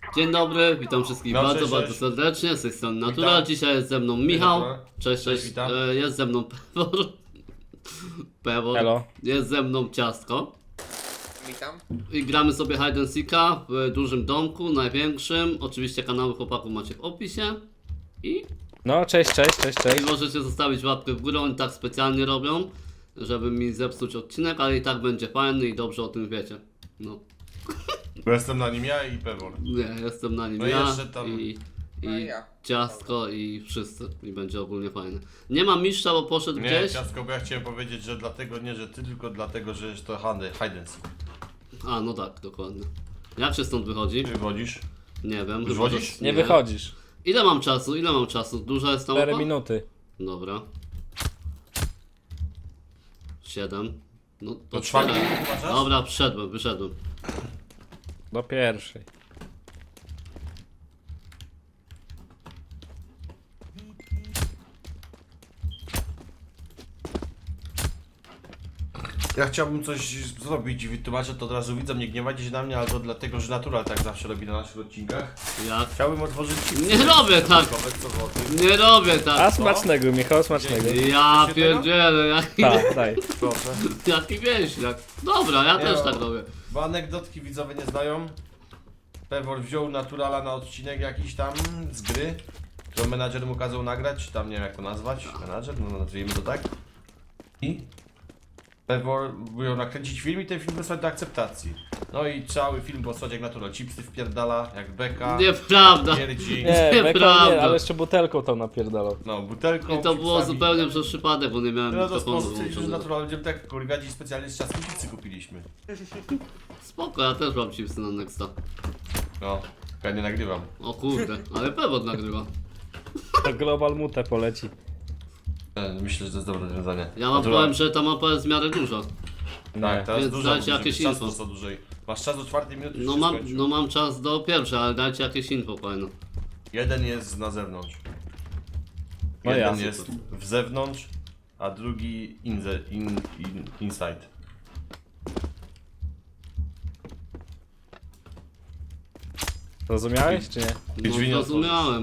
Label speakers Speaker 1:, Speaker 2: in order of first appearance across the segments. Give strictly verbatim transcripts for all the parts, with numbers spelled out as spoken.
Speaker 1: Dzień dobry, witam wszystkich
Speaker 2: No,
Speaker 1: bardzo,
Speaker 2: cześć,
Speaker 1: bardzo
Speaker 2: cześć.
Speaker 1: serdecznie, z tej strony Natura.
Speaker 2: Witam.
Speaker 1: Dzisiaj jest ze mną Michał.
Speaker 2: Dobra.
Speaker 1: Cześć,
Speaker 2: Cześć,
Speaker 1: cześć.
Speaker 2: witam.
Speaker 1: E, Jest ze mną Pewor. Pewor.
Speaker 3: Elo.
Speaker 1: Jest ze mną Ciastko.
Speaker 4: Witam.
Speaker 1: I gramy sobie hide and seeka w dużym domku, największym. Oczywiście kanały chłopaków macie w opisie. I,
Speaker 3: No, cześć, cześć, cześć,
Speaker 1: I
Speaker 3: cześć.
Speaker 1: możecie zostawić łapkę w górę, oni tak specjalnie robią, żeby mi zepsuć odcinek, ale i tak będzie fajny i dobrze o tym wiecie. No,
Speaker 2: Bo jestem na nim ja i Pewor.
Speaker 1: nie, jestem na nim
Speaker 2: No i
Speaker 1: ja
Speaker 2: jeszcze tam-
Speaker 1: i, i
Speaker 4: No i ja.
Speaker 1: Ciastko i wszyscy i będzie ogólnie fajne. Nie ma mistrza, bo poszedł
Speaker 2: Nie,
Speaker 1: gdzieś.
Speaker 2: ciastko, bo ja chciałem powiedzieć, że dlatego nie, że ty, tylko dlatego, że jest to hide hide and seek.
Speaker 1: A, no tak, dokładnie. Jak się stąd wychodzi?
Speaker 2: Ty wychodzisz?
Speaker 1: Nie wiem. chyba,
Speaker 2: Wychodzisz?
Speaker 1: że-
Speaker 3: Nie wychodzisz.
Speaker 1: Ile mam czasu? Ile mam czasu? Duża jest ta
Speaker 3: cztery
Speaker 1: mapa?
Speaker 3: minuty.
Speaker 1: Dobra. siedem. No to
Speaker 2: To czwarty
Speaker 1: cztery.
Speaker 2: minut uważasz?
Speaker 1: Dobra, wszedłem, wyszedłem.
Speaker 3: Do pierwszej.
Speaker 2: Ja chciałbym coś zrobić i wytłumaczę to od razu widzom, nie gniewajcie się na mnie, ale to dlatego, że Natural tak zawsze robi na naszych odcinkach.
Speaker 1: Jak?
Speaker 2: Chciałbym otworzyć...
Speaker 1: Nie robię tak!
Speaker 2: Co złoty.
Speaker 1: Nie robię
Speaker 3: A
Speaker 1: tak!
Speaker 3: smacznego, Michał, smacznego.
Speaker 1: Ja
Speaker 2: się
Speaker 1: pierdzielę, jaki,
Speaker 3: Tak, daj.
Speaker 2: Proszę.
Speaker 1: jaki wieśniak. Dobra, ja
Speaker 2: Nie
Speaker 1: też
Speaker 2: no.
Speaker 1: tak robię.
Speaker 2: Bo anegdotki widzowie nie znają. Pewor wziął Naturala na odcinek jakiś tam z gry, którą menadżer mu kazał nagrać, czy tam nie wiem jak to nazwać, menadżer, no nazwijmy to tak. I Pewor miał nakręcić film i ten film wysłać do akceptacji. No i cały film posłać jak Natural, chipsy wpierdala, jak beka,
Speaker 1: Nieprawda.
Speaker 2: pierdzi,
Speaker 3: Nie, beko
Speaker 1: Nieprawda.
Speaker 3: nie, ale jeszcze butelką to napierdalał.
Speaker 2: no butelką,
Speaker 1: I to było
Speaker 2: chipsami.
Speaker 1: zupełnie przez przypadek, bo nie miałem
Speaker 2: No to
Speaker 1: mikrofonu
Speaker 2: sposób, że
Speaker 1: włączonego.
Speaker 2: Natural będziemy tak kurgadzi specjalnie z czasem chipsy kupiliśmy.
Speaker 1: Spoko, ja też mam chipsy na Nexta.
Speaker 2: No, ja nie nagrywam.
Speaker 1: O kurde, ale Pewor nagrywa.
Speaker 3: To Global Mute poleci.
Speaker 2: E, Myślę, że to jest dobre rozwiązanie.
Speaker 1: Ja wam
Speaker 2: Natural.
Speaker 1: powiem, że ta mapa jest w miarę duża.
Speaker 2: Tak, teraz
Speaker 1: Więc
Speaker 2: dużo,
Speaker 1: dajcie
Speaker 2: żeby
Speaker 1: jakieś
Speaker 2: czas
Speaker 1: info.
Speaker 2: został dłużej. Masz czas do czwartej minuty, już
Speaker 1: No
Speaker 2: się
Speaker 1: mam,
Speaker 2: skończył.
Speaker 1: no mam czas do pierwszej, ale dajcie jakieś info fajne.
Speaker 2: Jeden jest na zewnątrz.
Speaker 3: No
Speaker 2: Jeden
Speaker 3: ja.
Speaker 2: jest w zewnątrz, a drugi in the, in, in, inside.
Speaker 3: Zrozumiałeś, czy nie?
Speaker 1: No
Speaker 2: drzwi nie
Speaker 1: zrozumiałem.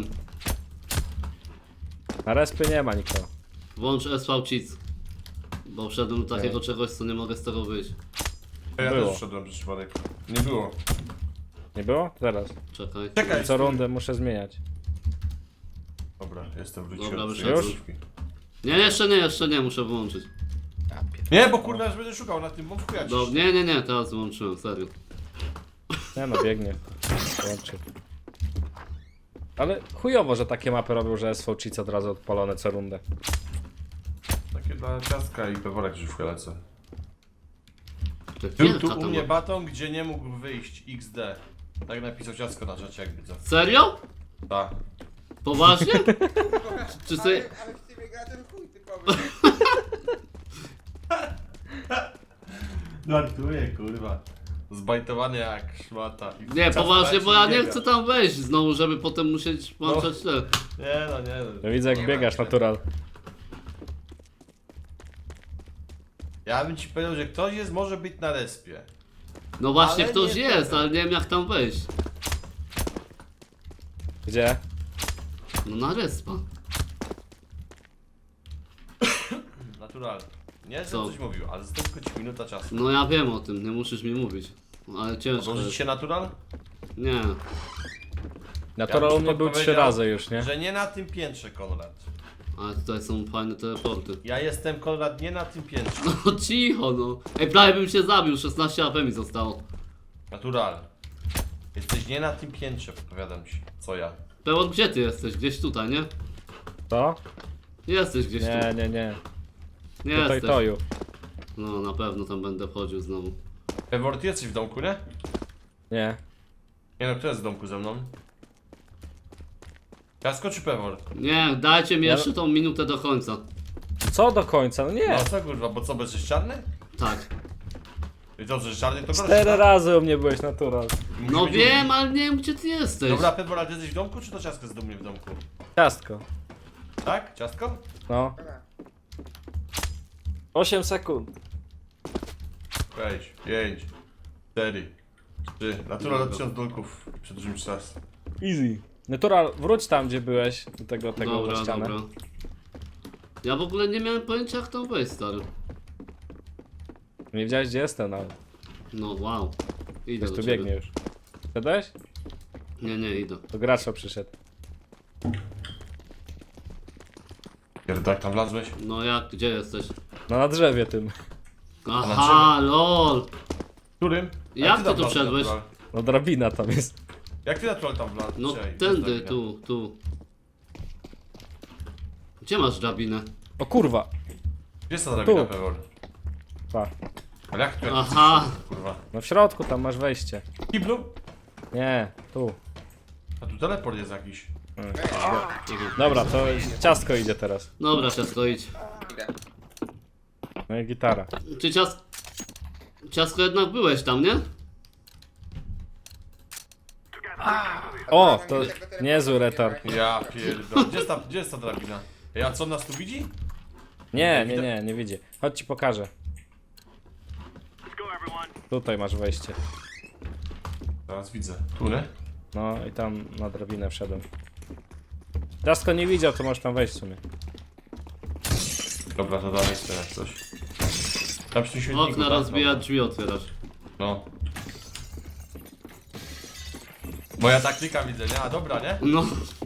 Speaker 3: Na respy nie ma nikogo.
Speaker 1: Włącz S V Cheats. Bo wszedłem do takiego
Speaker 3: Okej.
Speaker 1: czegoś, co nie mogę z tego wyjść.
Speaker 2: Ja
Speaker 3: Było.
Speaker 2: też wszedłem przez przypadek. Nie było.
Speaker 3: Nie było? Teraz.
Speaker 1: Czekaj.
Speaker 2: Czekaj,
Speaker 3: Co rundę muszę zmieniać.
Speaker 2: Dobra, jestem wróciłem.
Speaker 1: Dobra,
Speaker 2: do
Speaker 1: wyszedłem.
Speaker 2: swojej służki.
Speaker 1: Nie, jeszcze nie, jeszcze nie, muszę wyłączyć.
Speaker 2: Nie, bo kurwa, już będę szukał na tym, bo wchujać.
Speaker 1: Do, nie, nie, nie, teraz wyłączyłem, serio.
Speaker 3: Nie no, biegnie. Łączy. Ale chujowo, że takie mapy robią, że S V Cheats od razu odpalone co rundę.
Speaker 2: Takie dla ciastka i peworek już wchylece.
Speaker 1: To
Speaker 2: Był
Speaker 1: wielka
Speaker 2: tu
Speaker 1: ta
Speaker 2: u mnie
Speaker 1: mapa.
Speaker 2: baton, gdzie nie mógł wyjść X D. Tak napisał ciastko na czacie, jak widzę.
Speaker 1: Serio?
Speaker 2: Tak.
Speaker 1: Poważnie? Czy sobie...
Speaker 4: Ale, ale w Steamie gra ten chuj typowy.
Speaker 2: Żartuję, kurwa. Zbajtowany jak szmata. I
Speaker 1: Nie,
Speaker 2: czas
Speaker 1: poważnie,
Speaker 2: leci
Speaker 1: bo ja
Speaker 2: i
Speaker 1: nie
Speaker 2: biega.
Speaker 1: chcę tam wejść znowu, żeby potem musieć włączać te...
Speaker 2: Nie no, nie no.
Speaker 3: No widzę jak
Speaker 4: Nie
Speaker 3: biegasz,
Speaker 4: ma.
Speaker 3: natural.
Speaker 2: Ja bym ci powiedział, że ktoś jest, może być na respie.
Speaker 1: No właśnie
Speaker 2: Ale
Speaker 1: ktoś
Speaker 2: nie
Speaker 1: jest,
Speaker 2: powiem.
Speaker 1: ale nie wiem jak tam wejść.
Speaker 3: Gdzie?
Speaker 1: No na respa.
Speaker 2: Natural. Nie, że
Speaker 1: Co?
Speaker 2: coś mówił, ale z tylko ci minuta czasu.
Speaker 1: No ja wiem o tym, nie musisz mi mówić. Ale ciężko
Speaker 2: Odłożyć
Speaker 1: jest.
Speaker 2: się natural?
Speaker 1: Nie.
Speaker 3: Natural u mnie był trzy
Speaker 2: podpowiedział,
Speaker 3: razy już, nie?
Speaker 2: Że nie na tym piętrze, Konrad.
Speaker 1: Ale tutaj są fajne teleporty.
Speaker 2: Ja jestem, Konrad, nie na tym piętrze.
Speaker 1: No cicho no. Ej, prawie bym się zabił, szesnaście A P mi zostało.
Speaker 2: Natural. Jesteś nie na tym piętrze, podpowiadam ci. Co ja?
Speaker 1: Pewor, gdzie ty jesteś? Gdzieś tutaj, nie?
Speaker 3: To?
Speaker 1: Jesteś gdzieś
Speaker 3: Nie,
Speaker 1: tu.
Speaker 3: nie, nie.
Speaker 1: Nie
Speaker 3: Tutaj
Speaker 1: jesteś.
Speaker 3: toju.
Speaker 1: No na pewno tam będę wchodził znowu.
Speaker 2: Pewor, ty jesteś w domku, nie?
Speaker 3: Nie.
Speaker 2: Nie no, kto jest w domku ze mną? Ciastko czy Pewor?
Speaker 1: Nie, dajcie mi
Speaker 3: Ja-
Speaker 1: jeszcze tą minutę do końca.
Speaker 3: Co do końca? No nie.
Speaker 2: No co kurwa, bo co, będziesz czarny?
Speaker 1: Tak.
Speaker 2: I to, że czarny to
Speaker 3: Cztery
Speaker 2: tak?
Speaker 3: razy u mnie byłeś natural.
Speaker 2: Musi
Speaker 1: No
Speaker 2: być
Speaker 1: wiem, ale nie wiem gdzie ty jesteś.
Speaker 2: Dobra, Pewor, a ty jesteś w domku, czy to ciastko jest do mnie w domku?
Speaker 3: Ciastko.
Speaker 2: Tak? Ciastko?
Speaker 3: No.
Speaker 4: Dobra.
Speaker 3: osiem sekund.
Speaker 2: Weź, pięć, cztery, Ty, natural od tysiąc dolków. Przedłużymy jeszcze raz.
Speaker 3: Easy. Natural, wróć tam, gdzie byłeś, do tego, tego
Speaker 1: Dobra,
Speaker 3: za ścianę.
Speaker 1: dobra. Ja w ogóle nie miałem pojęcia jak tam wejść, stary.
Speaker 3: Nie wiedziałeś, gdzie jestem nawet.
Speaker 1: No wow. Idę
Speaker 3: Ktoś
Speaker 1: do
Speaker 3: tu
Speaker 1: ciebie.
Speaker 3: biegnie już. Wszedłeś?
Speaker 1: Nie, nie, idę.
Speaker 3: To gracza przyszedł.
Speaker 2: Pierdol, jak tam wlazłeś?
Speaker 1: No jak, gdzie jesteś?
Speaker 3: No na drzewie tym.
Speaker 1: Aha, lol.
Speaker 2: Którym?
Speaker 1: Jak
Speaker 2: ty
Speaker 1: ty
Speaker 2: tam
Speaker 1: tu
Speaker 2: wlazłeś,
Speaker 1: wszedłeś?
Speaker 2: natural?
Speaker 3: No drabina tam jest.
Speaker 2: Jak ty natural tam wlazłeś?
Speaker 1: No
Speaker 2: Czekaj, gdzie
Speaker 1: tędy,
Speaker 2: jest drabina?
Speaker 1: tu, tu. Gdzie masz drabinę?
Speaker 3: O kurwa.
Speaker 2: Gdzie jest ta drabina,
Speaker 3: Tu.
Speaker 2: Pewor?
Speaker 3: Pa.
Speaker 2: Ale jak tu jak
Speaker 1: Aha.
Speaker 2: jesteś, kurwa?
Speaker 3: No w środku tam masz wejście.
Speaker 2: Kiblu?
Speaker 3: Nie, tu.
Speaker 2: A tu teleport jest jakiś.
Speaker 3: Dobra, to ciastko idzie teraz.
Speaker 1: Dobra, ciasko idź.
Speaker 4: Idę.
Speaker 3: No i gitara.
Speaker 1: Czy cias... Ciasko jednak byłeś tam, nie?
Speaker 3: O, to niezły retard.
Speaker 2: Ja pierdol. Gdzie jest ta, gdzie jest ta drabina? Ej, a co nas tu widzi?
Speaker 3: Nie, nie, nie, nie widzi. Chodź ci pokażę. Tutaj masz wejście.
Speaker 2: Teraz widzę. Tu, nie?
Speaker 3: No i tam na drabinę wszedłem. Ciastko nie widział, to możesz tam wejść w sumie.
Speaker 2: Dobra, to dalej jest teraz coś. Tam przy tym świetniku,
Speaker 1: Okna
Speaker 2: tak?
Speaker 1: rozbijać,
Speaker 2: Dobra.
Speaker 1: drzwi otwierasz.
Speaker 2: No. Moja taktyka widzę, nie? A dobra, nie?
Speaker 1: No.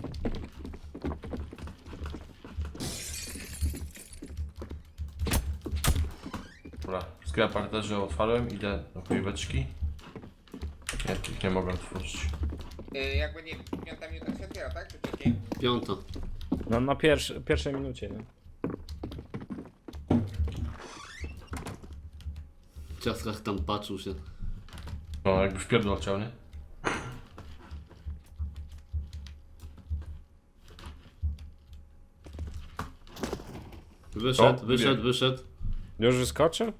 Speaker 2: Dobra, skryła parterze otwarłem, idę do chujeweczki. Nie, tych nie mogę otworzyć.
Speaker 4: Y, jak będzie piąta minuta się otwiera, tak? Czy wcześniej?
Speaker 1: Piąta.
Speaker 3: No na pierwszy, pierwszej minucie, nie?
Speaker 1: W ciaskach tam patrzył się.
Speaker 2: No, jakby w pierdol chciał, nie?
Speaker 1: Wyszedł,
Speaker 2: O,
Speaker 1: wyszedł,
Speaker 2: wybiegł.
Speaker 1: wyszedł.
Speaker 3: Już wyskoczył?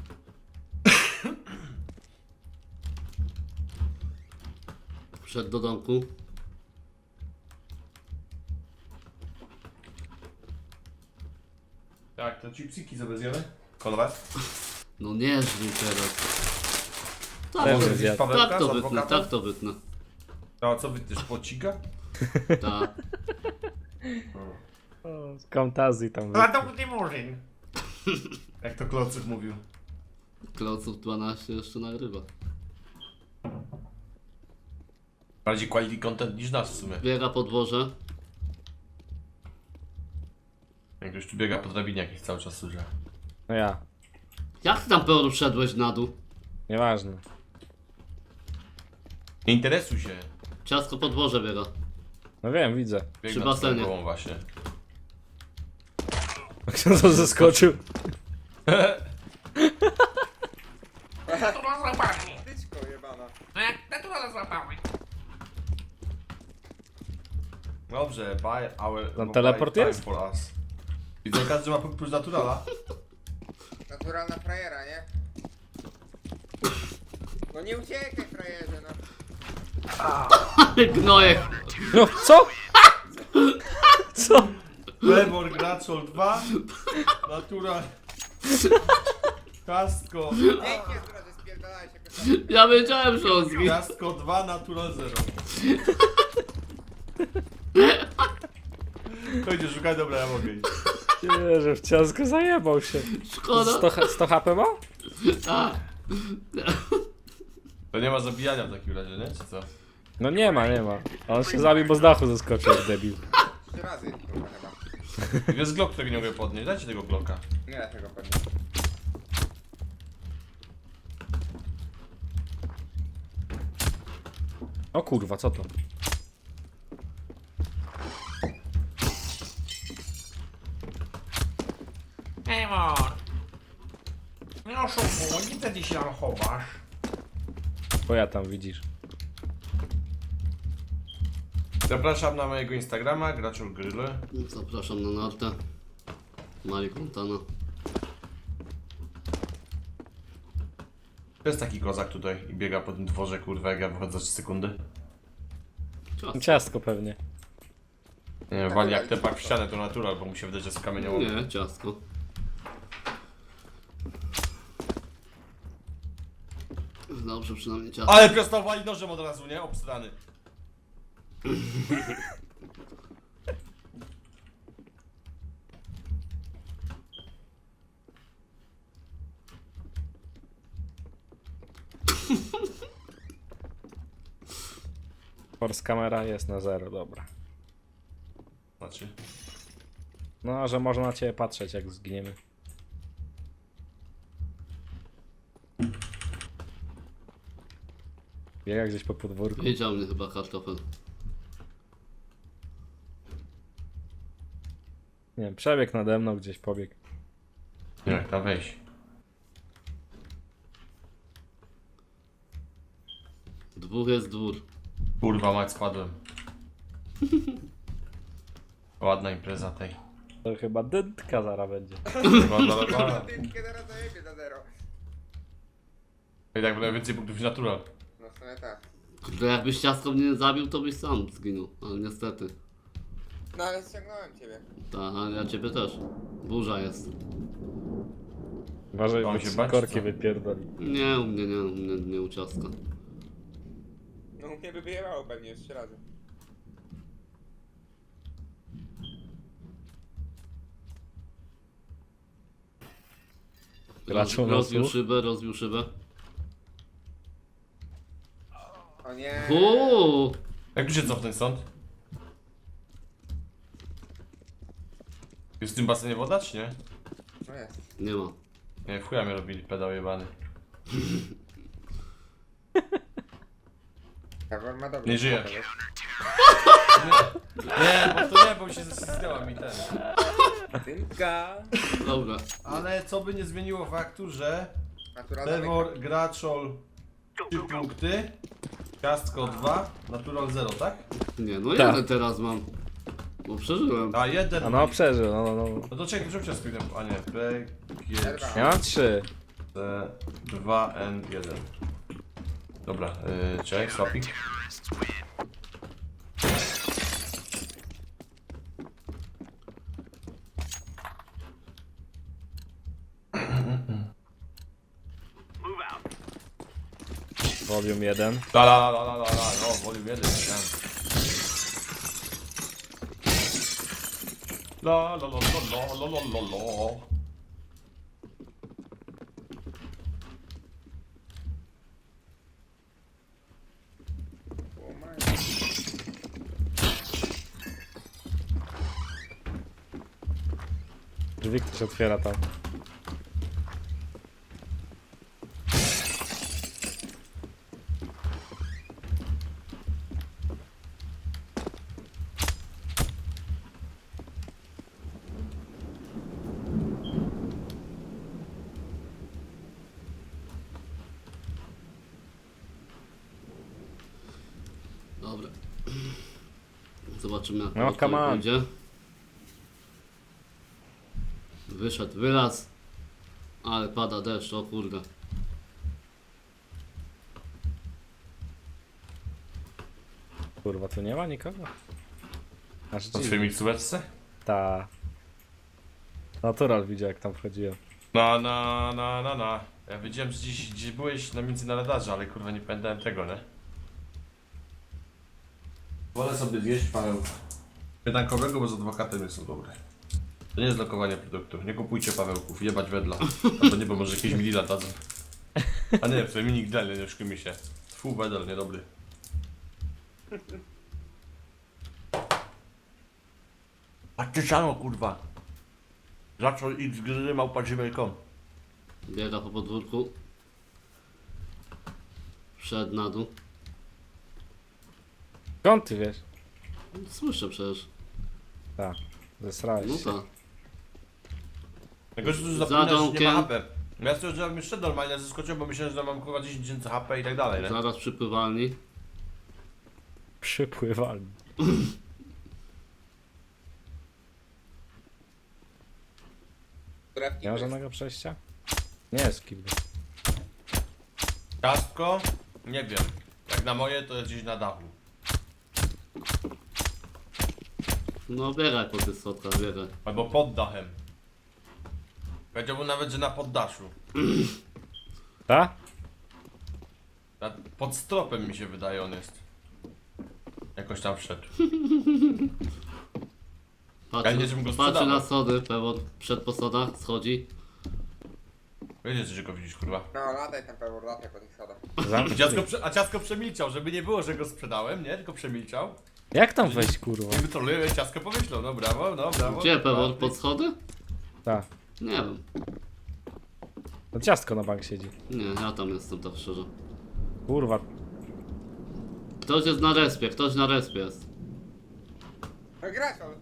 Speaker 1: Wszedł do domku.
Speaker 2: Tak, to chipsiki sobie zjemy? Konrad?
Speaker 1: No nie żrij teraz.
Speaker 3: Też
Speaker 1: Tak,
Speaker 3: bym
Speaker 1: to,
Speaker 3: zjadł.
Speaker 2: Pawełka
Speaker 1: tak
Speaker 2: z
Speaker 1: to wytnę,
Speaker 2: adwokatem?
Speaker 1: tak to wytnę.
Speaker 2: No, a co wytniesz? Płociga?
Speaker 1: Tak.
Speaker 3: O, z Camtazji tam
Speaker 2: A
Speaker 3: wyszedł.
Speaker 2: to nie murzyn. Jak to Klocyk mówił.
Speaker 1: Kloców dwanaście jeszcze nagrywa.
Speaker 2: Bardziej quality content niż nas w sumie.
Speaker 1: Biega podwoże.
Speaker 2: Jak ktoś tu biega po drabinie jakiś cały czas służy.
Speaker 3: No ja.
Speaker 1: Jak ty tam pełno wszedłeś na dół?
Speaker 3: Nieważne.
Speaker 2: Nie interesuj się.
Speaker 1: Ciasko podwoże biega.
Speaker 3: No wiem, widzę.
Speaker 2: Bieg
Speaker 1: Przy
Speaker 2: nad
Speaker 1: basenie.
Speaker 2: twoją głową właśnie.
Speaker 3: Kto to zeskoczył?
Speaker 4: Tyczko jebana.
Speaker 2: Dobrze, buy our...
Speaker 3: Tam
Speaker 2: buy
Speaker 3: teleport
Speaker 2: time
Speaker 3: jest?
Speaker 2: For us. Widzę, każdy ma punkt plus naturala.
Speaker 4: Naturalna frajera, nie? No nie uciekaj frajerze, no.
Speaker 1: Gnojek.
Speaker 3: No, co? Co?
Speaker 2: Playboy Graczol dwa. Natural. Kastko.
Speaker 4: Pięknie, która że spierdalałeś jakoś.
Speaker 1: Ja wiedziałem, że on zginie.
Speaker 2: Kastko dwa, natural zero. To idzie, szukaj, dobra, ja mogę iść.
Speaker 3: Nie, że w ciastko zajebał się.
Speaker 1: Szkoda.
Speaker 3: sto, sto H P ma?
Speaker 1: A,
Speaker 2: To nie ma zabijania w takim razie, nie? Czy co?
Speaker 3: No nie ma, nie ma. On się zabił, bo z dachu zeskoczył jak debil.
Speaker 4: Trzy razy, kurwa chyba.
Speaker 2: Jest Glock, którego nie mogę podnieść. Dajcie tego Glocka.
Speaker 4: Nie da tego podnieść.
Speaker 3: O kurwa, co to?
Speaker 5: Emor! Nie oszukuj, gdzie ty się tam chowasz?
Speaker 3: Bo ja tam widzisz.
Speaker 2: Zapraszam na mojego Instagrama, Graczol Gryl.
Speaker 1: zapraszam na nartę. Mali Montana.
Speaker 2: To jest taki kozak tutaj i biega po tym dworze, kurwa, jak ja wychodzę za trzy sekundy.
Speaker 1: Ciasko.
Speaker 3: Ciastko pewnie.
Speaker 2: Nie wiem, wali jak tepak w ścianę, to natural, bo mu się wydaje, że jest kamieniołomy.
Speaker 1: Nie, ciasko. Dobrze, przynajmniej ciasto.
Speaker 2: Ale prostowali nożem od razu, nie? Obstrany.
Speaker 3: Force kamera jest na zero, dobra.
Speaker 2: Znaczy.
Speaker 3: No, że można na ciebie patrzeć, jak zginiemy. Biega gdzieś po podwórku.
Speaker 1: Wiedział mnie chyba kartofel.
Speaker 3: Nie wiem, przebiegł nade mną, gdzieś pobiegł.
Speaker 2: Nie, jak tam wejść.
Speaker 1: Dwóch jest dwór.
Speaker 2: Kurwa mać, spadłem. Ładna impreza tej.
Speaker 3: To chyba dętka zara będzie.
Speaker 2: Ładna, ładna.
Speaker 4: Dynkę zaraz zajebie za zero.
Speaker 2: I tak będę więcej punktów niż natural.
Speaker 4: No w sumie tak.
Speaker 1: Kurde, jakbyś ciastko mnie nie zabił, to byś sam zginął. Ale niestety.
Speaker 4: No ale ściągnąłem ciebie.
Speaker 1: Tak, a ja ciebie też. Burza jest.
Speaker 3: Uważaj,
Speaker 2: Mam
Speaker 3: bo
Speaker 2: się
Speaker 3: ci
Speaker 2: bać,
Speaker 3: korki
Speaker 2: co?
Speaker 3: wypierdoli.
Speaker 1: Nie, u mnie nie, u mnie nie u ciastka.
Speaker 4: No u mnie by wyjebało pewnie jeszcze razy.
Speaker 3: Graczu
Speaker 1: Roz, rozbił
Speaker 3: losu.
Speaker 1: szybę, rozbił szybę.
Speaker 4: O nie.
Speaker 1: Uuu!
Speaker 2: Jak tu się cofnąć stąd? Jest w tym basenie woda, czy nie?
Speaker 4: No jest.
Speaker 1: Nie ma.
Speaker 2: Nie, w chuja mnie robili, pedał jebany.
Speaker 4: Pewor ma dobry.
Speaker 2: Nie żyje.
Speaker 4: spokój, wiesz?
Speaker 2: Nie, bo to nie, bo się zesistęła mi ten.
Speaker 4: Dynka.
Speaker 1: Dobra.
Speaker 2: Ale co by nie zmieniło faktu, że
Speaker 4: Naturalna
Speaker 2: Trevor, Graczol trzy punkty, Ciastko dwa, Natural zero, tak?
Speaker 1: Nie, no
Speaker 3: Tak.
Speaker 1: jeden teraz mam. Bo przeżyłem.
Speaker 2: A jeden.
Speaker 3: A no, przeżył, no, no, no.
Speaker 2: No to czekaj, rzuć ciastko jeden. A nie, P, G,
Speaker 4: Zerwa.
Speaker 3: Ja mam trzy.
Speaker 2: C, dwa, N, jeden. Dobra, yy, czekaj, swapik.
Speaker 3: Volume jeden.
Speaker 2: La la la la la la, no, volume jeden, chciałem. La la la la la la la la la.
Speaker 4: O my.
Speaker 3: Drzwi ktoś otwiera tam.
Speaker 1: Dobra. Zobaczymy jak
Speaker 3: No,
Speaker 1: to
Speaker 3: come on.
Speaker 1: będzie. Wyszedł wyraz. Ale pada deszcz, o kurde.
Speaker 3: Kurwa, tu nie ma nikogo? Aż
Speaker 2: Na
Speaker 3: dziwnie.
Speaker 2: twojej miksóweczce?
Speaker 3: Ta. Natural widział, jak tam wchodziłem.
Speaker 2: Na na na na na. Ja wiedziałem, że gdzieś, gdzieś byłeś na między na radarze, ale kurwa nie pamiętałem tego, nie? Wolę sobie zjeść paweł. Pytankowego, bo z adwokatem są dobre. To nie jest lokowanie produktu. Nie kupujcie pawełków, jebać wedla. A to nie, bo może jakieś milila dadzą. A nie, to mini gdel, nie oszukujmy się. Tfu, wedel, niedobry. Patrzcie siano, kurwa. Zaczął i z gry małpa gmail kropka com.
Speaker 1: Biega po podwórku. Wszedł na dół.
Speaker 3: Skąd ty wiesz?
Speaker 1: Słyszę przecież.
Speaker 3: Tak. Zesrałeś
Speaker 1: No
Speaker 3: się.
Speaker 1: tak.
Speaker 2: Najgorsze, że
Speaker 1: Za
Speaker 2: zapominasz, że nie
Speaker 1: domkiem.
Speaker 2: ma H P. Ja stwierdziłem jeszcze normalnie, zaskoczyłem, bo myślałem, że mam kurwa dziesięć tysięcy H P i tak dalej, nie?
Speaker 1: Zaraz przy pływalni.
Speaker 3: Przypływalni.
Speaker 4: Która w
Speaker 3: Nie ma
Speaker 4: kiblu.
Speaker 3: żadnego przejścia? Nie jest w kiblu.
Speaker 2: Ciastko? Nie wiem. Jak na moje, to jest gdzieś na dachu.
Speaker 1: No biegaj po tych schodkach, biegaj.
Speaker 2: Albo pod dachem. Powiedziałbym nawet, że na poddaszu.
Speaker 3: Ta?
Speaker 2: A pod stropem mi się wydaje on jest. Jakoś tam wszedł. Ja nie, żebym go
Speaker 1: Patrzy, patrzy
Speaker 2: sprzedawał.
Speaker 1: na schody, Pewor przed po schodach schodzi.
Speaker 2: Wiecie, że go widzisz, kurwa.
Speaker 4: No, lataj tam Pewor, lataj po tych schodach.
Speaker 2: A
Speaker 3: Zamknij.
Speaker 2: ciasko, prze- a ciasko przemilczał, żeby nie było, że go sprzedałem, nie? Tylko przemilczał.
Speaker 3: Jak tam wejść, kurwa?
Speaker 2: I wytrolujemy, ciasko pomyślał, no brawo, no brawo.
Speaker 1: Gdzie
Speaker 2: brawo.
Speaker 1: Pewor? Pod schody?
Speaker 3: Tak.
Speaker 1: Nie wiem.
Speaker 3: No ciastko na bank siedzi.
Speaker 1: Nie, ja tam jestem tak szczerze.
Speaker 3: Kurwa.
Speaker 1: Ktoś jest na respie, ktoś na respie jest.
Speaker 4: No gracz on.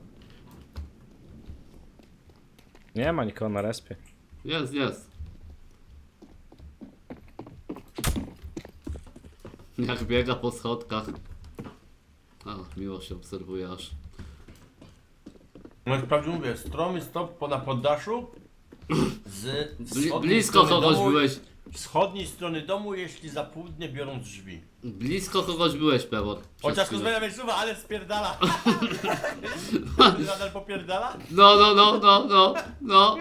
Speaker 3: Nie ma nikogo na respie.
Speaker 1: Jest, jest. Jak biega po schodkach. Ach, miło się obserwuje aż.
Speaker 2: No wprawdzie mówię, stromy stop po na poddaszu. Z
Speaker 1: Bli
Speaker 2: wschodniej
Speaker 1: blisko
Speaker 2: strony
Speaker 1: kogoś
Speaker 2: domu,
Speaker 1: byłeś.
Speaker 2: wschodniej strony domu, jeśli za południe biorą drzwi.
Speaker 1: Blisko kogoś byłeś, Pewor. Przed
Speaker 2: Chociaż
Speaker 1: chwilą.
Speaker 2: zmienia miejscowa, ale spierdala. Nadal popierdala?
Speaker 1: No, no, no, no, no, no.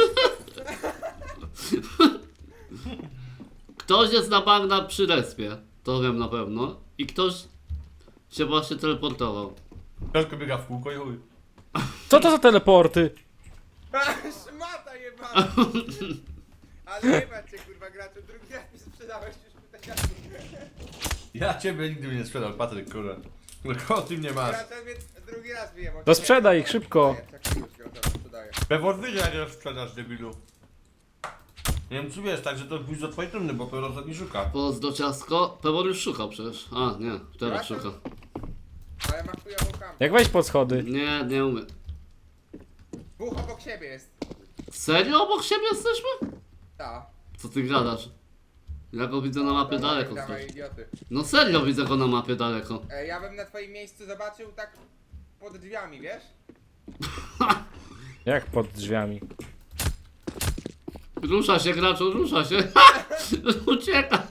Speaker 1: Ktoś jest na bagna przy respie, to wiem na pewno. I ktoś się właśnie teleportował.
Speaker 2: Ciasko biega w kółko i chuj.
Speaker 3: Co to za teleporty?
Speaker 4: Szmata jebana! Ale jebać cię kurwa graczu, drugi raz mi sprzedałeś już tutaj.
Speaker 2: Ja ciebie nigdy bym nie sprzedał, Patryk, kurwa. Tylko o tym nie masz.
Speaker 4: Gracza mnie drugi raz wyjebał.
Speaker 3: To sprzedaj ich szybko.
Speaker 4: Czekaj, już gracza sprzedaję.
Speaker 2: Pewor wyjdzie, jak ją sprzedasz, debilu. Nie wiem, czy wiesz, tak, że to pójść do twojej trumny, bo Pewor nie szuka.
Speaker 1: Pozdro ciastko. Pewor już szukał przecież. A, nie, teraz szuka.
Speaker 4: Ale ma chujową kampę.
Speaker 3: Jak wejść pod schody?
Speaker 1: Nie, nie umiem.
Speaker 4: Dwóch obok siebie jest.
Speaker 1: Serio obok siebie jesteśmy?
Speaker 4: Ta.
Speaker 1: Co ty gadasz? Ja go widzę na mapie
Speaker 4: Dawaj,
Speaker 1: daleko.
Speaker 4: dawaj,
Speaker 1: stąd.
Speaker 4: idioty.
Speaker 1: No serio widzę go na mapie daleko.
Speaker 4: E, ja bym na twoim miejscu zobaczył tak pod drzwiami, wiesz?
Speaker 3: Jak pod drzwiami?
Speaker 1: Rusza się graczu, rusza się. Ucieka.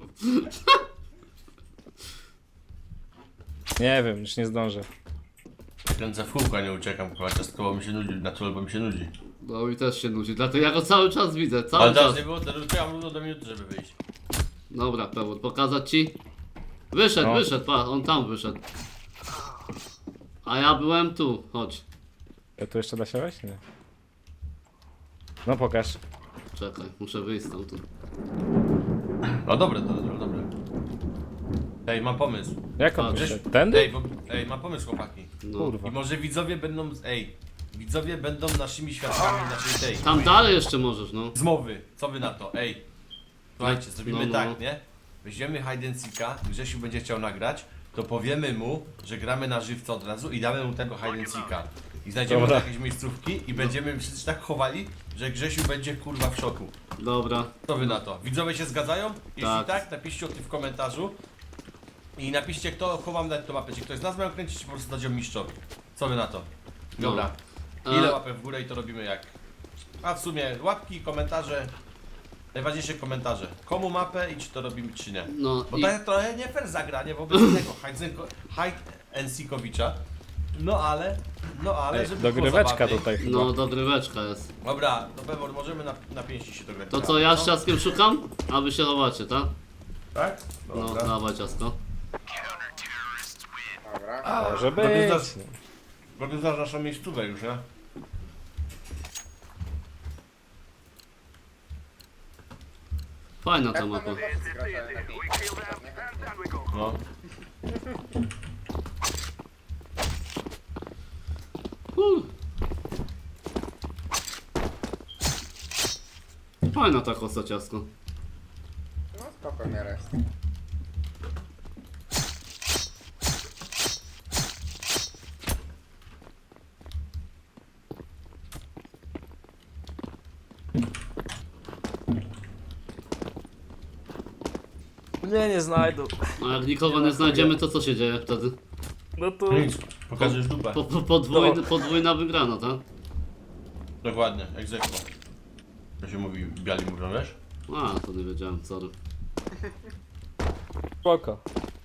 Speaker 3: Nie wiem, już nie zdążę.
Speaker 2: Kręcę w kółko, a nie uciekam, kurwa, ciastko, bo mi się nudzi, na czole, bo mi się nudzi.
Speaker 1: No mi też się nudzi, dlatego ja go cały czas widzę, cały
Speaker 2: Ale
Speaker 1: czas.
Speaker 2: teraz nie było, teraz czekam równo do minuty, żeby wyjść.
Speaker 1: Dobra, Pewor, pokazać ci? Wyszedł,
Speaker 3: No.
Speaker 1: wyszedł, pa, on tam wyszedł. A ja byłem tu, chodź.
Speaker 3: Ja tu jeszcze da się wejść? Nie. No pokaż.
Speaker 1: Czekaj, muszę wyjść stamtąd.
Speaker 2: No dobre, to dobre, dobre. Ej, mam pomysł.
Speaker 3: Jak on
Speaker 1: A,
Speaker 3: wyszedł?
Speaker 2: Ej,
Speaker 3: Tędy?
Speaker 2: bo, ej, mam pomysł, chłopaki.
Speaker 1: No.
Speaker 3: Kurwa.
Speaker 2: I może widzowie będą, ej, widzowie będą naszymi świadkami naszej tej
Speaker 1: Tam dalej jeszcze możesz, no.
Speaker 2: zmowy. Co wy na to? Ej, słuchajcie, zrobimy
Speaker 1: No, no.
Speaker 2: tak, nie? Weźmiemy hide and seeka, Grzesiu będzie chciał nagrać, to powiemy mu, że gramy na żywca od razu i damy mu tego hide and seeka. I znajdziemy
Speaker 3: Dobra.
Speaker 2: jakieś miejscówki i będziemy wszyscy tak chowali, że Grzesiu będzie kurwa w szoku.
Speaker 1: Dobra.
Speaker 2: Co wy na to? Widzowie się zgadzają? Jeśli tak,
Speaker 1: Tak.
Speaker 2: napiszcie o tym w komentarzu. I napiszcie, kto chowam dać to mapę, czy ktoś z nas miał kręcić, czy po prostu dać ją mistrzowi. Co wy na to? Dobra.
Speaker 1: No.
Speaker 2: Ile
Speaker 1: A-
Speaker 2: łapek w górę i to robimy jak? A w sumie łapki, komentarze. Najważniejsze komentarze. Komu mapę i czy to robimy, czy nie.
Speaker 1: No
Speaker 2: Bo
Speaker 1: i
Speaker 2: to jest trochę nie fair zagranie wobec innego hide and seekowicza. No ale, no ale,
Speaker 3: Ej,
Speaker 2: żeby było
Speaker 3: dogryweczka
Speaker 2: zabawniej.
Speaker 3: tutaj chyba.
Speaker 1: no dogryweczka jest.
Speaker 2: Dobra, to Pewor, możemy na, na pięści się dograć.
Speaker 1: To co, ja z
Speaker 2: No.
Speaker 1: ciastkiem szukam? A wy się chowacie, tak?
Speaker 2: Tak?
Speaker 1: No,
Speaker 2: Dobra.
Speaker 1: dawaj ciastko.
Speaker 4: Dobra.
Speaker 3: Może być.
Speaker 2: Organizacja. Organizacja naszą miejscówę już, nie?
Speaker 1: Fajna ta
Speaker 4: Jak
Speaker 1: mapa.
Speaker 4: tam chłopcy gracze na pięć?
Speaker 2: No.
Speaker 1: Uh. Fajna ta kosa ciastko.
Speaker 4: No spoko w miarę jest.
Speaker 3: Nie, nie znajdą.
Speaker 1: A jak nikogo nie znajdziemy, to co się dzieje wtedy?
Speaker 3: No to...
Speaker 2: Nic, pokażesz dupę.
Speaker 1: Po, po, podwójny, podwójna wygrana, tak?
Speaker 2: Dokładnie, egzekwo. To się mówi, biali mówią, wiesz?
Speaker 1: A, to nie wiedziałem, sorry.
Speaker 3: Spoko.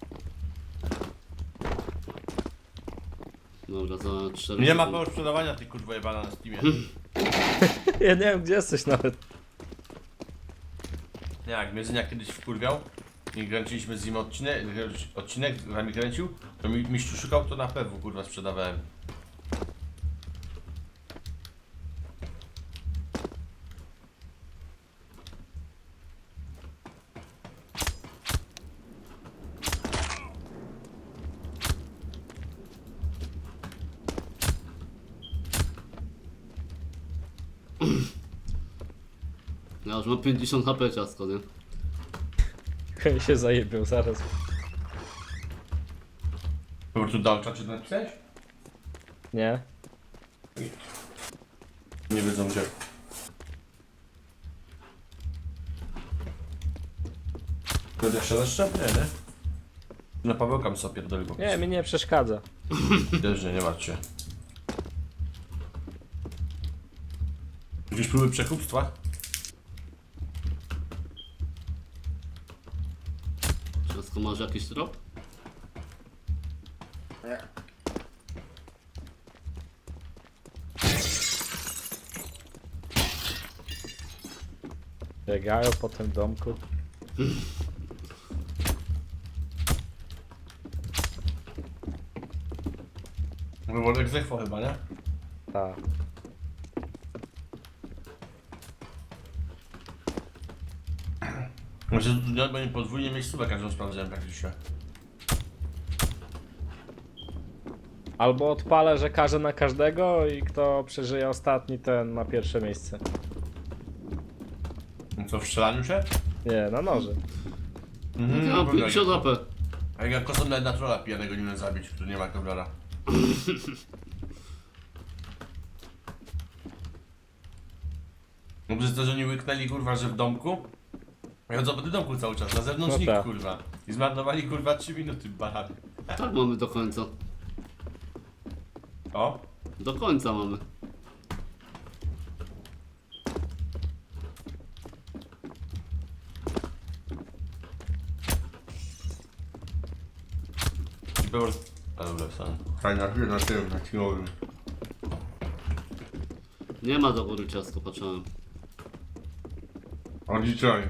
Speaker 1: Dobra, za cztery
Speaker 2: Nie ma
Speaker 1: sekundy.
Speaker 2: pełno sprzedawania tych kurwa jebana na Steamie.
Speaker 3: Ja nie wiem gdzie jesteś nawet.
Speaker 2: Nie, jak mnie Zynia kiedyś wkurwiał, i kręciliśmy z nim odcinek, odcinek z nami kręcił, to mi, mistrzu szukał, to na pewno kurwa sprzedawałem.
Speaker 1: Ja już mam pięćdziesiąt H P ciasko, nie?
Speaker 3: Chyba się zajebił zaraz.
Speaker 2: Po prostu dał czacie napisać?
Speaker 3: Nie?
Speaker 2: Nie wiedzą gdzie. Będę się zaszczep? Nie, nie? Na Pawełka bym sobie pierdolił. po
Speaker 3: Nie, mi nie przeszkadza.
Speaker 2: prostu. Też nie, nie martw się. Jakieś próby przekupstwa?
Speaker 1: Ciasko, masz jakiś trop?
Speaker 4: Nie.
Speaker 3: Biegają po tym domku.
Speaker 2: Wywodek zechwo chyba, nie?
Speaker 3: Tak.
Speaker 2: Może tu będzie podwójnie miejscówę każdą sprawdzałem praktycznie.
Speaker 3: Albo odpalę, że każę na każdego i kto przeżyje ostatni, ten ma pierwsze miejsce.
Speaker 2: No co, w strzelaniu się?
Speaker 3: Nie, na noże.
Speaker 2: Mhm,
Speaker 1: Ja mam pięćdziesiąt H P.
Speaker 2: A jak ja kosą nawet na trolla pijanego nie umiem zabić, który nie ma kowlara. No przez to, że oni łyknęli kurwa, że w domku. Ja chodzą po tym domku cały czas, na zewnątrz
Speaker 3: No
Speaker 2: nikt
Speaker 3: tak.
Speaker 2: kurwa. I zmarnowali kurwa trzy minuty barany.
Speaker 1: Tak mamy do końca.
Speaker 2: O!
Speaker 1: Do końca mamy.
Speaker 2: I było... A dobra, sam. Fajna chwila na tym, na siłowym.
Speaker 1: Nie ma do góry ciasko, patrzyłem.
Speaker 2: O dzisiaj.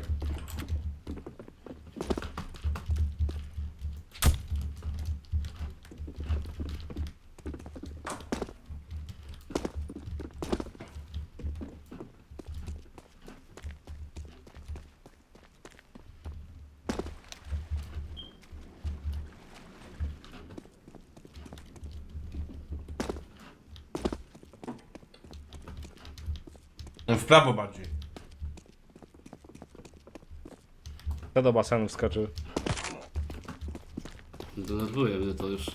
Speaker 2: No w prawo bardziej.
Speaker 3: Kto do basenu wskoczył?
Speaker 1: Denerwuje mnie to już.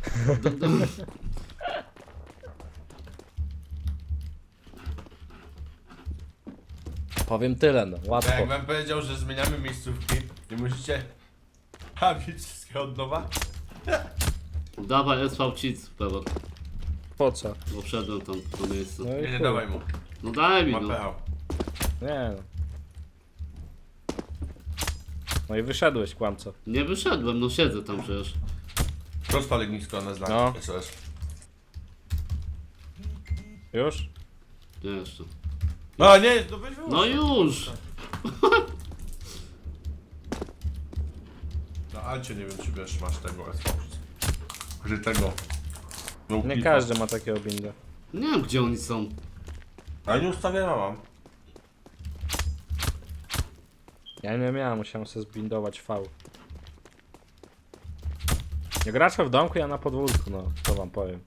Speaker 3: Powiem tyle, no. Łatwo.
Speaker 2: Jak wam powiedział, że zmieniamy miejscówki i musicie habić wszystkie od nowa?
Speaker 1: Dawaj S V Cic, Pewor.
Speaker 3: Po co?
Speaker 1: Bo wszedłem tam w to miejsce.
Speaker 3: No i
Speaker 2: Nie, nie
Speaker 3: chuj.
Speaker 2: dawaj mu.
Speaker 1: No daj mi
Speaker 2: Ma
Speaker 1: no.
Speaker 2: pecha.
Speaker 3: Nie no. No i wyszedłeś, kłamco.
Speaker 1: Nie wyszedłem, no siedzę tam przecież.
Speaker 2: Prosto legnisko na znak.
Speaker 3: No.
Speaker 2: S O S.
Speaker 3: Już?
Speaker 1: Nie jeszcze.
Speaker 2: No nie, no weź wyłącz.
Speaker 1: No już!
Speaker 2: Na Alcie nie wiem czy wiesz, masz tego S V. Że tego. No,
Speaker 3: Nie
Speaker 2: klipa.
Speaker 3: każdy ma takiego binda.
Speaker 1: Nie wiem gdzie oni są.
Speaker 2: Ale nie ustawiona mam.
Speaker 3: Ja nie miałem, musiałem sobie zbindować V. Nie gracze w domku, ja na podwórku, no, to wam powiem.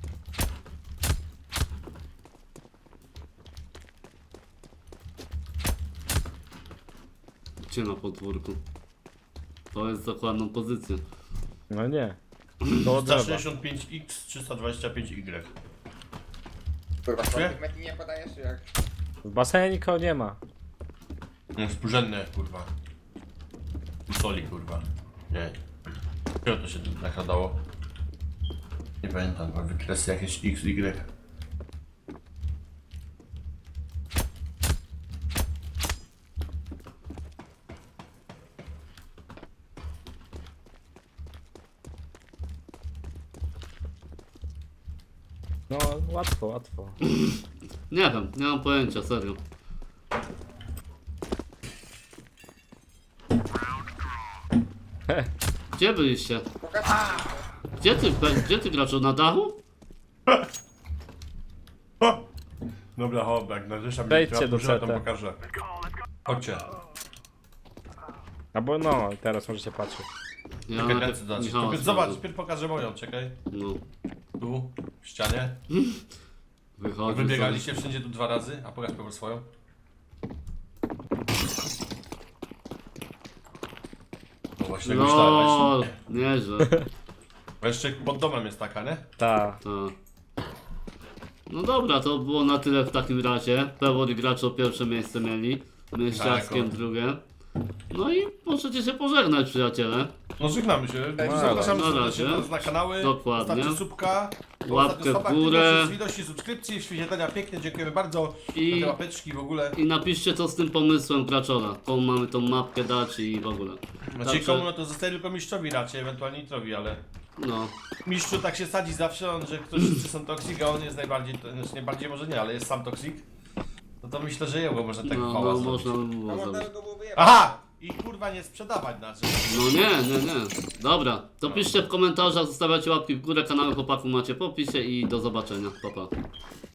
Speaker 1: Gdzie na podwórku? To jest dokładną pozycję.
Speaker 3: No nie. To od
Speaker 2: sto
Speaker 3: drzewa.
Speaker 2: sześćdziesiąt pięć X, trzysta dwadzieścia pięć Y.
Speaker 4: Kurwa,
Speaker 2: Gdzie?
Speaker 4: tych metli nie podajesz jak?
Speaker 3: W basenie nikogo nie ma.
Speaker 2: No współrzędne kurwa. Soli kurwa. Nie. Czego to się tu nakładało? Nie pamiętam, chyba wykresy jakieś X, Y.
Speaker 3: No, łatwo, łatwo.
Speaker 1: Nie wiem, nie mam pojęcia, serio. Gdzie byliście?
Speaker 4: Pokaż
Speaker 1: Gdzie ty, pe- gdzie ty graczu, na dachu?
Speaker 2: Dobra, hop, jak narzeszam
Speaker 3: Wejdźcie do
Speaker 2: to
Speaker 3: C T.
Speaker 2: pokażę. Chodźcie.
Speaker 3: Albo no, teraz możecie patrzeć.
Speaker 1: Ja
Speaker 2: Czekaj,
Speaker 1: najpierw
Speaker 2: ręce dać.
Speaker 1: Michała
Speaker 2: Zobacz,
Speaker 1: sprawdzę.
Speaker 2: najpierw pokażę moją, czekaj.
Speaker 1: No,
Speaker 2: Tu, w ścianie.
Speaker 1: wychodzi
Speaker 2: Wybiegaliście wszędzie tu dwa razy, a pokaż Pewor swoją. No właśnie, tak myślałem.
Speaker 1: LOL, nieźle.
Speaker 2: Bo jeszcze pod domem jest taka, nie?
Speaker 3: Ta.
Speaker 1: Tak. No dobra, to było na tyle w takim razie. Pewor i gracz o pierwsze miejsce mieli. My z
Speaker 2: Tak,
Speaker 1: Ciastkiem
Speaker 2: o.
Speaker 1: drugie. No i możecie się pożegnać, przyjaciele.
Speaker 2: No żegnamy się.
Speaker 3: No,
Speaker 2: Zapraszamy
Speaker 1: na
Speaker 2: serdecznie
Speaker 1: razie.
Speaker 2: do nas na kanały.
Speaker 1: Dokładnie.
Speaker 2: Zostawcie subka.
Speaker 1: Łapkę w górę.
Speaker 2: Ilości subskrypcji, wyświetlenia pięknie, dziękujemy bardzo.
Speaker 1: I-
Speaker 2: I... Za te łapeczki w ogóle.
Speaker 1: I napiszcie co z tym pomysłem Graczora. Komu mamy tą mapkę dać i w ogóle.
Speaker 2: Znaczy
Speaker 1: Także-
Speaker 2: komu no to zostaje tylko mistrzowi raczej, ewentualnie nitrowi, ale
Speaker 1: No,
Speaker 2: mistrzu tak się sadzi zawsze, on, że ktoś wszyscy są toksik, a on jest najbardziej, to znaczy nie bardziej może nie, ale jest sam toksik. No to myślę, że jego można tak
Speaker 1: no,
Speaker 2: chwała
Speaker 1: no
Speaker 2: zrobić.
Speaker 1: można by
Speaker 4: A
Speaker 1: było
Speaker 4: można
Speaker 1: zrobić.
Speaker 4: go było wyjebać.
Speaker 2: Aha! I kurwa nie sprzedawać znaczy.
Speaker 1: No nie, nie, nie. Dobra, to piszcie w komentarzach, zostawiacie łapki w górę, kanały chłopaków macie w opisie i do zobaczenia. Pa, pa.